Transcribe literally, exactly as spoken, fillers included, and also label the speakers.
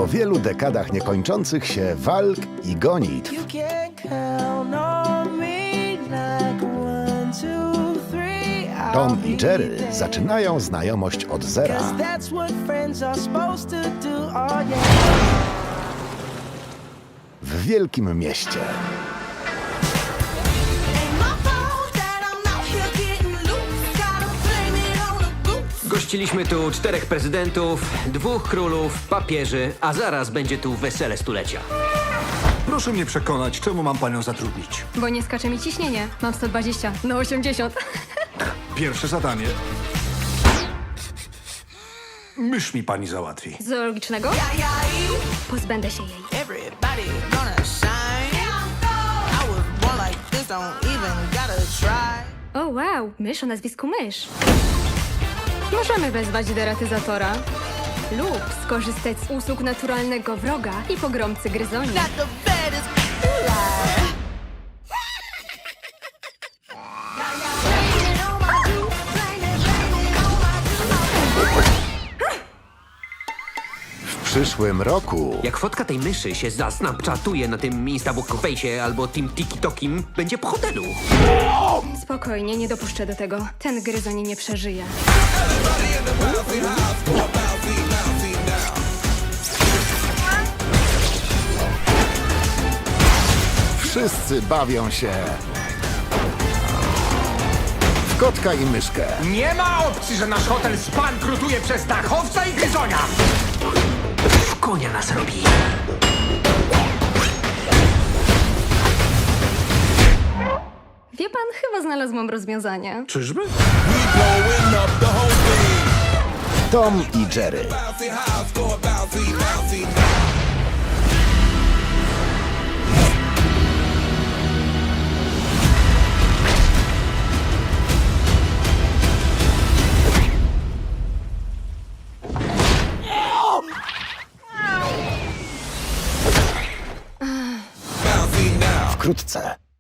Speaker 1: po wielu dekadach niekończących się walk i gonitw
Speaker 2: You can count on me like one, two, three. I'll
Speaker 1: Tom i
Speaker 2: be
Speaker 1: Jerry
Speaker 2: there.
Speaker 1: zaczynają znajomość od zera.
Speaker 2: 'Cause that's what friends are supposed to do. Oh yeah.
Speaker 1: W wielkim mieście.
Speaker 3: Gościliśmy tu czterech prezydentów, dwóch królów, papieży, a zaraz będzie tu wesele stulecia.
Speaker 4: Proszę mnie przekonać, czemu mam panią zatrudnić.
Speaker 5: Bo nie skacze mi ciśnienie. Mam sto dwadzieścia na osiemdziesiąt.
Speaker 4: Pierwsze zadanie. Mysz mi pani załatwi.
Speaker 5: Zoologicznego? Pozbędę się jej.
Speaker 2: Everybody gonna shine. I was born like this, don't even gotta try.
Speaker 5: O wow, mysz o nazwisku Mysz. Możemy wezwać deratyzatora lub skorzystać z usług naturalnego wroga i pogromcy gryzoni.
Speaker 2: Got the baddest lie.
Speaker 1: W przyszłym roku
Speaker 3: Jak fotka tej myszy się zasnapchatuje na tym Instabook Face'ie albo tym TikTokim, będzie po hotelu.
Speaker 5: Spokojnie, nie dopuszczę do tego. Ten gryzoń nie przeżyje.
Speaker 1: wszyscy bawią się w kotka i myszkę.
Speaker 6: Nie ma opcji, że nasz hotel spankrutuje przez dachowca i gryzonia!
Speaker 3: W konia nas robi.
Speaker 5: Wie pan, chyba znalazłam rozwiązanie.
Speaker 4: Czyżby?
Speaker 1: Tom i Jerry. Wkrótce.